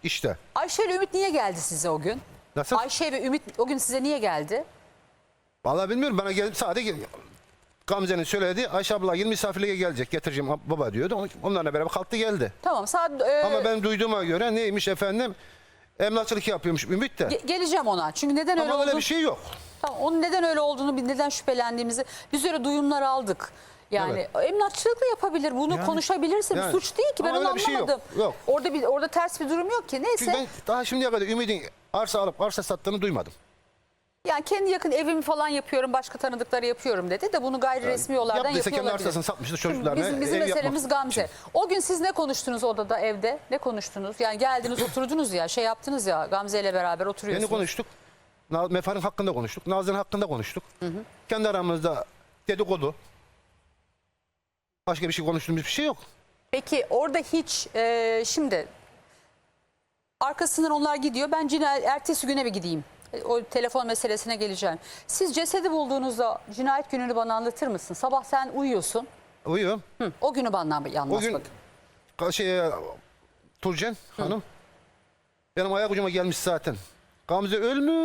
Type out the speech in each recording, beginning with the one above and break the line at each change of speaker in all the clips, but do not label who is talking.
işte.
Ayşe ile Ümit niye geldi size o gün?
Nasıl?
Ayşe ve Ümit o gün size niye geldi?
Vallahi bilmiyorum, bana gelip sadece Gamze'nin söyledi, Ayşe abla 20 misafirliğe gelecek, getireceğim baba diyordu. Onlarla beraber kalktı geldi.
Tamam saat...
Ama ben duyduğuma göre neymiş efendim, emlakçılık yapıyormuş Ümit de.
Geleceğim ona. Çünkü neden öyle
Ama öyle
olduğunu...
bir şey yok.
Tamam, onun neden öyle olduğunu, neden şüphelendiğimizi biz öyle duyumlar aldık. Yani emlakçılık da yapabilir. Bunu konuşabilirsin.
Yani.
Suç değil ki. Ben
Ama
onu
öyle bir şey yok.
anlamadım.
Yok.
Orada ters bir durum yok ki. Neyse.
Çünkü ben daha şimdiye kadar Ümit'in arsa alıp arsa sattığını duymadım.
Yani kendi yakın evimi falan yapıyorum, başka tanıdıkları yapıyorum dedi de bunu gayri resmi yollardan
Yaptıysa
yapıyor
kendi
olabilir.
arsasını satmıştır
Şimdi
çocuklarına.
bizim
ev
meselemiz
yapmak
Gamze.
için.
O gün siz ne konuştunuz odada, evde? Ne konuştunuz? Yani geldiniz, oturdunuz ya, şey yaptınız ya, Gamze ile beraber oturuyorsunuz.
Yeni konuştuk. Mefar'ın hakkında konuştuk. Nazlı'nın hakkında konuştuk. Kendi aramızda dedikodu. Başka bir şey konuştuğumuz bir şey yok.
Peki orada hiç şimdi arkasından onlar gidiyor. Ben ertesi güne bir gideyim. O telefon meselesine geleceğim. Siz cesedi bulduğunuzda cinayet gününü bana anlatır mısın? Sabah sen uyuyorsun.
Uyuyor.
O günü bana anlat
O gün
bakayım.
Turcen hanım benim ayak ucuma gelmiş zaten. Gamze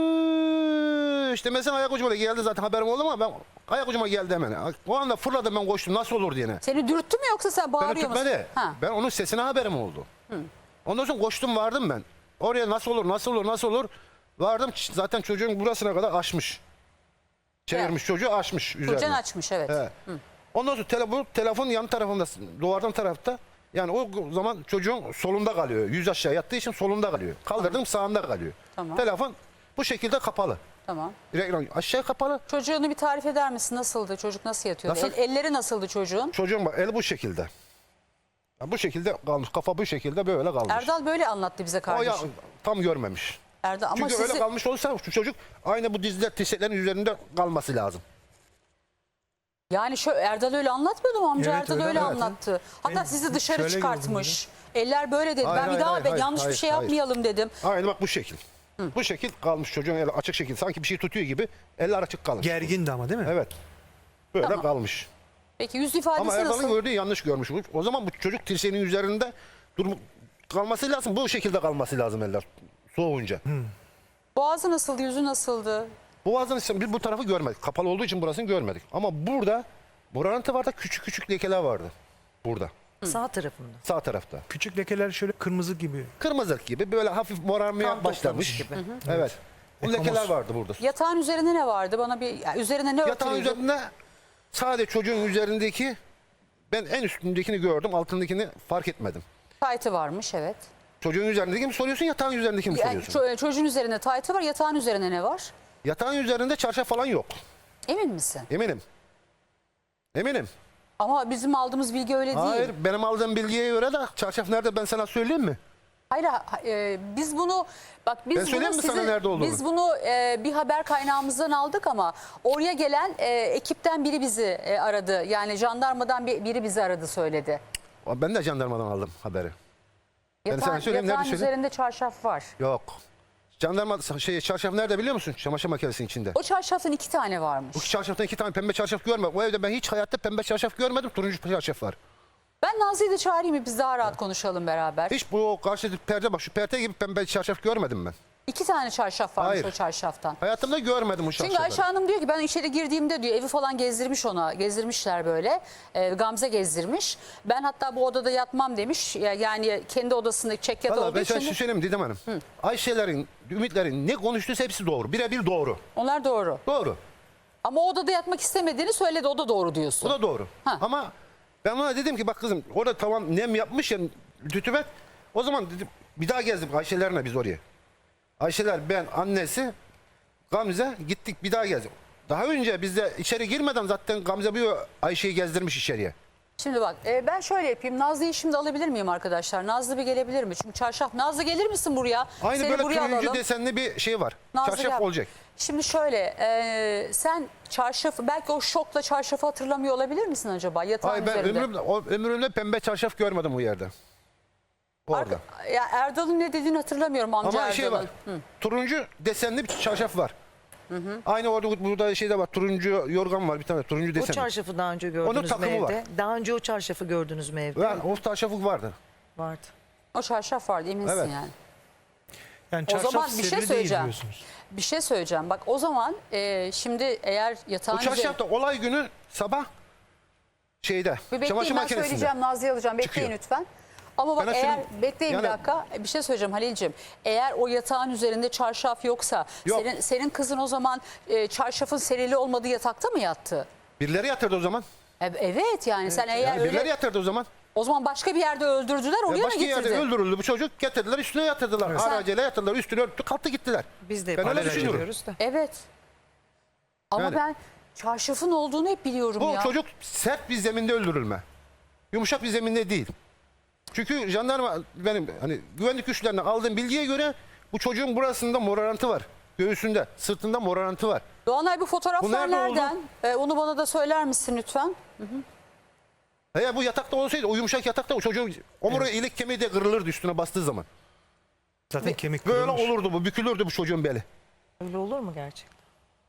ölmüş. Mesela ayak ucuma geldi zaten, haberim oldu ama ben ayak ucuma geldi hemen. O anda fırladım, ben koştum nasıl olur diye.
Seni dürttü mü yoksa sen
Beni
bağırıyor musun?
tutmadı.
Ha.
Ben onun sesine haberim oldu. Ondan sonra koştum, vardım ben. Oraya nasıl olur. Vardım, zaten çocuğun burasına kadar açmış. Çevirmiş, çocuğu açmış üzerine.
Turcan açmış, evet.
He. Ondan sonra telefon yan tarafında, duvardan tarafta. Yani o zaman çocuğun solunda kalıyor. Yüz aşağı yattığı için solunda kalıyor. Kaldırdım, sağında kalıyor.
Tamam.
Telefon bu şekilde kapalı.
Tamam.
Reklam aşağı kapalı.
Çocuğunu bir tarif eder misin? Nasıldı? Çocuk nasıl yatıyordu?
Nasıl?
Elleri nasıldı çocuğun?
Çocuğun bak, el bu şekilde. Ya bu şekilde kalmış. Kafa bu şekilde böyle kalmış.
Erdal böyle anlattı bize
O
kardeşim.
ya tam görmemiş.
Erdal ama
Çünkü
sizi...
öyle kalmış olursa şu çocuk aynı bu dizler, dirseklerin üzerinde kalması lazım.
Yani Erdal öyle anlatmıyordu mu amca?
Evet,
Erdal
öyle
öyle
anlattı.
anlattı. Hatta
Ben
sizi dışarı
şöyle
çıkartmış. Eller böyle dedi.
Hayır,
Ben bir
hayır,
daha
hayır,
yanlış bir
hayır,
şey
hayır.
yapmayalım dedim.
Aynı bak bu şekil. Bu şekil kalmış, çocuğun eli açık şekil. Sanki bir şey tutuyor gibi eller açık kalmış.
Gergindi ama değil mi?
Evet. Böyle
Tamam.
kalmış.
Peki yüz ifadesi
Ama Erdal'ın
nasıl?
gördüğü yanlış görmüş. O zaman bu çocuk dirseğinin üzerinde kalması lazım. Bu şekilde kalması lazım eller soğuyunca.
Boğazı nasıldı? Yüzü nasıldı?
Boğazın biz bu tarafı görmedik. Kapalı olduğu için burasını görmedik. Ama burada buranın vardı, küçük küçük lekeler vardı. Burada.
Sağ tarafında.
Sağ tarafta.
Küçük lekeler şöyle kırmızı gibi.
Kırmızılık gibi böyle hafif morarmaya
Kan
başlamış.
toplamış gibi.
Evet. Bu lekeler vardı burada.
Yatağın üzerinde ne vardı? Bana bir üzerine ne
Yatağın
örtülüydü?
üzerinde sadece çocuğun üzerindeki, ben en üstündekini gördüm, altındakini fark etmedim.
Taytı varmış, evet.
Çocuğun üzerindeki mi soruyorsun, yatağın üzerindeki mi
Yani
soruyorsun?
çocuğun üzerinde taytı var, yatağın üzerine ne var?
Yatağın üzerinde çarşaf falan yok.
Emin misin?
Eminim. Eminim.
Ama bizim aldığımız bilgi öyle değil.
Hayır, benim aldığım bilgiye göre de çarşaf nerede ben sana söyleyeyim mi?
Hayır, biz bunu bak
Ben söyleyeyim mi sana nerede olduğunu?
Biz bunu bir haber kaynağımızdan aldık ama oraya gelen ekipten biri bizi aradı. Yani jandarmadan biri bizi aradı, söyledi.
Ben de jandarmadan aldım haberi. Ben sana
Yatağın,
söyleyeyim, nerede
yatağın
söyleyeyim?
üzerinde çarşaf var.
Yok. Jandarma çarşaf nerede biliyor musun? Çamaşır makinesinin içinde.
O çarşafın 2 tane varmış.
Bu çarşaftan 2 tane pembe çarşaf görmedim. O evde ben hiç hayatta pembe çarşaf görmedim. Turuncu çarşaf var.
Ben Nazlı'yı da çağırayım mı? Biz daha rahat konuşalım beraber.
Hiç bu karşı perde, bak şu perde gibi pembe çarşaf görmedim ben.
2 tane çarşaf varmış
Hayır.
o çarşaftan.
Hayatımda görmedim o çarşafları.
Çünkü Ayşe Hanım diyor ki ben içeri girdiğimde diyor evi falan gezdirmiş ona. Gezdirmişler böyle. Gamze gezdirmiş. Ben hatta bu odada yatmam demiş. Yani kendi odasındaki çekyat
Valla
olduğu
ben
için.
sana şu söyleyeyim Didem Hanım. Ayşe'lerin, Ümit'lerin ne konuştuysa hepsi doğru. Birebir doğru.
Onlar doğru.
Doğru.
Ama o odada yatmak istemediğini söyledi. O da doğru diyorsun.
O da doğru.
Ha.
Ama ben ona dedim ki bak kızım orada tamam nem yapmış ya rütubet. O zaman dedim bir daha gezdik Ayşe'lerine biz oraya. Ayşeler, ben, annesi, Gamze gittik bir daha gezdik. Daha önce biz de içeri girmeden zaten Gamze bir Ayşe'yi gezdirmiş içeriye.
Şimdi bak ben şöyle yapayım. Nazlı'yı şimdi alabilir miyim arkadaşlar? Nazlı bir gelebilir mi? Çünkü çarşaf. Nazlı gelir misin buraya?
Aynı
Seni
böyle
buraya
turuncu
alalım.
desenli bir şey var.
Nazlı
Çarşaf
gel.
olacak.
Şimdi şöyle sen çarşafı belki o şokla çarşafı hatırlamıyor olabilir misin acaba yatağın
Hayır, ben
üzerinde?
ömrümde pembe çarşaf görmedim bu yerde. Orada.
Ya Erdal'ın ne dediğini hatırlamıyorum amca
Ama
Erdal'ın.
şey var. Turuncu desenli bir çarşaf var. Aynı orada burada şeyde var. Turuncu yorgan var bir tane. Turuncu
O
desenli.
çarşafı daha önce gördünüz mü
takımı
evde?
var.
Daha önce o çarşafı gördünüz mü evde?
Yani o çarşafı vardı.
Vardı.
O çarşaf vardı eminsin
Evet.
yani.
Yani
O
çarşaf
zaman bir şey
serili değil
söyleyeceğim.
diyorsunuz.
Bir şey söyleyeceğim. Bak o zaman şimdi eğer yatağın
O çarşaf da olay günü sabah şeyde
Bir bekleyin,
çamaşır
ben
makinesinde.
söyleyeceğim, Nazlı'yı alacağım. Bekleyin
Çıkıyor.
lütfen. Ama bak
Ben
eğer,
aslında-
bekleyin bir
yani-
dakika. Bir şey söyleyeceğim Halil'ciğim. Eğer o yatağın üzerinde çarşaf yoksa,
Yok.
senin kızın o zaman çarşafın serili olmadığı yatakta mı yattı?
Birileri yatırdı o zaman.
Evet yani sen eğer
Yani
öyle,
birileri yatırdı o zaman.
o zaman başka bir yerde öldürdüler, oraya mı
Başka yerde
getirdin?
öldürüldü bu çocuk. Getirdiler üstüne yatırdılar. Aracıyla yatırdılar. Üstüne örttü kalktı gittiler.
Biz de
Ben öyle
paralel
düşünüyorum.
ediyoruz da.
Evet. Ama
Yani-
ben çarşafın olduğunu hep biliyorum
Bu
ya.
çocuk sert bir zeminde öldürülme. Yumuşak bir zeminde değil. Çünkü jandarma benim hani güvenlik güçlerinden aldığım bilgiye göre bu çocuğun burasında morarantı var. Göğsünde, sırtında morarantı var.
Doğanay bu fotoğraflar
Bu nerede oldu?
nereden? Onu bana da söyler misin lütfen?
Eğer bu yatakta olsaydı o yumuşak yatakta o çocuğun omurga ilik kemiği de kırılırdı üstüne bastığı zaman.
Zaten kemik
Böyle
kırılmış.
olurdu bu, bükülürdü bu çocuğun beli.
Öyle olur mu gerçekten?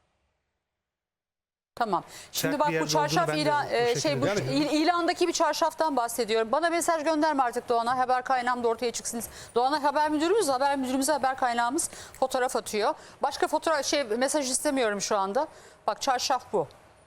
Tamam. Şimdi
Sert
bak
bir
bu
yerde
çarşaf
olduğunu ben de
ilan,
bu
şey bu
şekilde
ilandaki bir çarşaftan bahsediyorum. Bana mesaj gönderme artık Doğanay. Haber kaynağım da ortaya çıksın. Doğanay haber müdürümüz, haber kaynağımız fotoğraf atıyor. Başka fotoğraf mesaj istemiyorum şu anda. Bak çarşaf bu.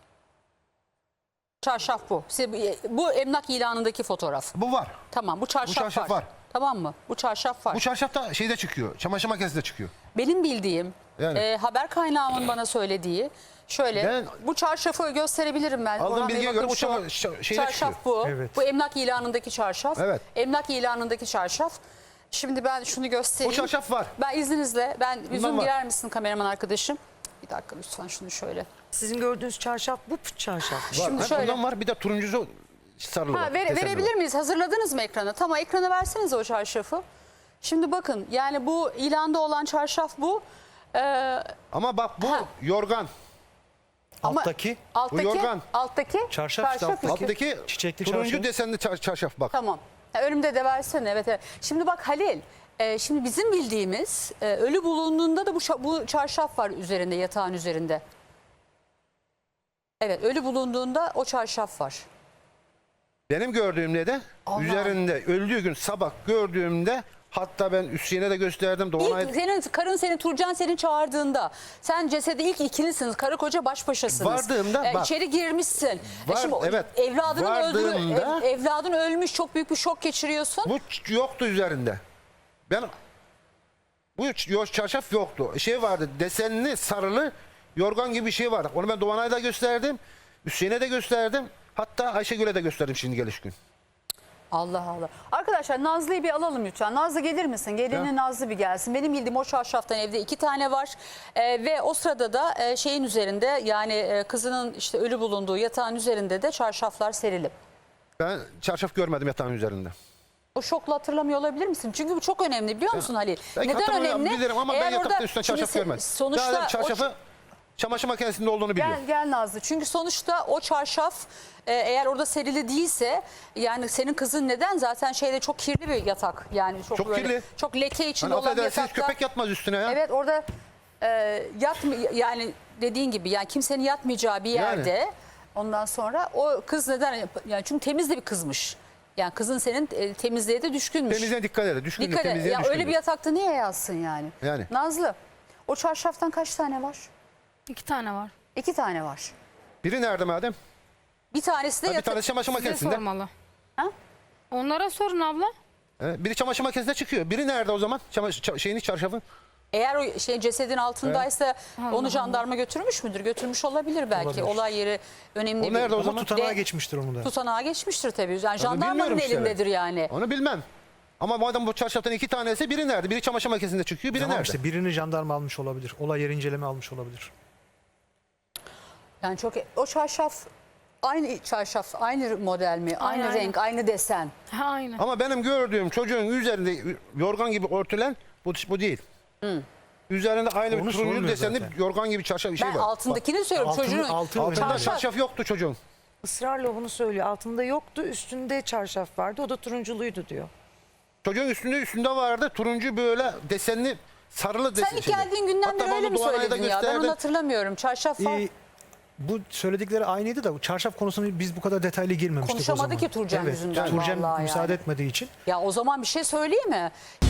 Çarşaf bu. Bu emlak ilanındaki fotoğraf.
Bu var.
Tamam bu çarşaf,
çarşaf
var.
var.
Tamam mı? Bu çarşaf var.
Bu çarşaf da şeyde çıkıyor. Çamaşır makinesinde çıkıyor.
Benim bildiğim
Yani.
haber kaynağımın bana söylediği şöyle
Ben-
bu çarşafı gösterebilirim ben.
Aldığım
Orhan Bey,
bilgiye
bakın
göre bu
şu
şeyde
çarşaf
çıkıyor.
bu.
Evet.
Bu emlak ilanındaki çarşaf.
Evet.
Emlak ilanındaki çarşaf. Şimdi ben şunu göstereyim.
O çarşaf var.
Ben izninizle yüzüm
var.
girer misin kameraman arkadaşım? Bir dakika lütfen şunu şöyle.
Sizin gördüğünüz çarşaf bu çarşaf.
Var.
Şimdi
Ha,
şöyle.
bundan var bir de turuncusu sarılı var. desenli
Verebilir
var.
miyiz? Hazırladınız mı ekrana? Tamam ekrana verseniz o çarşafı. Şimdi bakın yani bu ilanda olan çarşaf bu.
Ama bak bu
Ha.
yorgan.
Ama
Alttaki
alttaki,
yorgan.
alttaki
Çarşaf işte alttaki.
Alttaki
Çiçekli
turuncu
çarşaf.
desenli çarşaf bak.
Tamam. Önümde de versene. Evet, evet. Şimdi bak Halil. Şimdi bizim bildiğimiz ölü bulunduğunda da bu çarşaf var üzerinde, yatağın üzerinde. Evet, ölü bulunduğunda o çarşaf var.
Benim gördüğümde de
Allah.
üzerinde öldüğü gün sabah gördüğümde hatta ben Hüseyin'e de gösterdim. Doğanay
İlk karın Turcan seni çağırdığında sen cesedi ilk ikilisiniz. Karı koca baş başasınız.
Vardığımda bak.
İçeri girmişsin.
Var, evet. Vardığımda-
Evladın ölmüş, çok büyük bir şok geçiriyorsun.
bu yoktu üzerinde. Ben bu çarşaf yoktu. Şey vardı desenli sarılı yorgan gibi bir şey vardı. Onu ben Doğanay'a da gösterdim. Hüseyin'e de gösterdim. Hatta Ayşegül'e de gösterdim şimdi geliş gün.
Allah Allah. Arkadaşlar Nazlı'yı bir alalım lütfen. Nazlı gelir misin? Gelinin
Ya.
Nazlı bir gelsin. Benim bildiğim o çarşaftan evde 2 tane var. Ve o sırada da şeyin üzerinde yani kızının işte ölü bulunduğu yatağın üzerinde de çarşaflar serili.
Ben çarşaf görmedim yatağın üzerinde.
O şokla hatırlamıyor olabilir misin? Çünkü bu çok önemli biliyor musun Halil?
Belki
Neden
hatırlamıyorum,
önemli?
bilirim ama ben
Eğer
yatakta
orada-
üstüne
şimdi
çarşaf görmedim.
Sonuçta
Daha çarşafı çamaşır makinesinde olduğunu biliyorum.
Gel Nazlı. Çünkü sonuçta o çarşaf eğer orada serili değilse yani senin kızın neden zaten şeyde çok kirli bir yatak. Yani çok
Çok kirli.
çok leke içinde
Hani
olan bir
affedersiniz
yatakta.
köpek yatmaz üstüne ya.
Evet orada yani dediğin gibi yani kimsenin yatmayacağı bir yerde ondan sonra o kız neden yani çünkü temiz de bir kızmış. Yani kızın senin temizliğe de düşkünmüş.
Temizliğe dikkat edin. Düşkündür,
Dikkat et.
temizliğe
Ya
düşkündür.
öyle bir yatakta niye yatsın yani?
Yani.
Nazlı o çarşaftan kaç tane var?
2 tane var.
2 tane var.
Biri nerede madem?
Bir tanesi de
Bir tanesi çamaşır
Size
makinesinde.
sormalı.
Ha?
Onlara sorun abla.
Biri çamaşır makinesinde çıkıyor. Biri nerede o zaman? Şeyini çarşafı.
Eğer o cesedin altındaysa
Allah
onu jandarma götürmüş müdür? Götürmüş olabilir belki.
Olabilir.
Olay yeri önemli.
O nerede o
Ama
zaman?
tutanağa geçmiştir onu da.
Tutanağa geçmiştir tabii. Yani
bilmiyorum
jandarmanın
işte.
elindedir yani.
Onu bilmem. Ama madem bu çarşaftan 2 tanesi biri nerede? Biri çamaşır makinesinde çıkıyor, biri
Tamam
nerede?
işte birini jandarma almış olabilir. Olay yeri inceleme almış olabilir.
Yani çok o çarşaf aynı çarşaf, aynı model mi? Aynı
Aynen,
renk, aynı desen.
Ha aynı.
Ama benim gördüğüm çocuğun üzerinde yorgan gibi örtülen bu değil. Üzerinde aynı bir
Onu
turuncu
sormuyor
desenli
zaten.
yorgan gibi çarşaf bir şey
Ben
var.
altındakini söylüyorum. Çocuğun
Altında
çarşaf.
çarşaf yoktu çocuğun.
Israrla bunu söylüyor. Altında yoktu, üstünde çarşaf vardı. O da turunculuydu diyor.
Çocuğun üstünde vardı turuncu böyle desenli sarılı
Sen ilk geldiğin günden beri öyle mi söyledin ya? Ben onu hatırlamıyorum. Çarşaf var.
Bu söyledikleri aynıydı da çarşaf konusunu biz bu kadar detaylı girmemiştik o
Konuşamadı
zaman.
ki Turcan yüzünden
Turcan
vallahi
müsaade
yani.
etmediği için.
Ya o zaman bir şey söyleyeyim mi?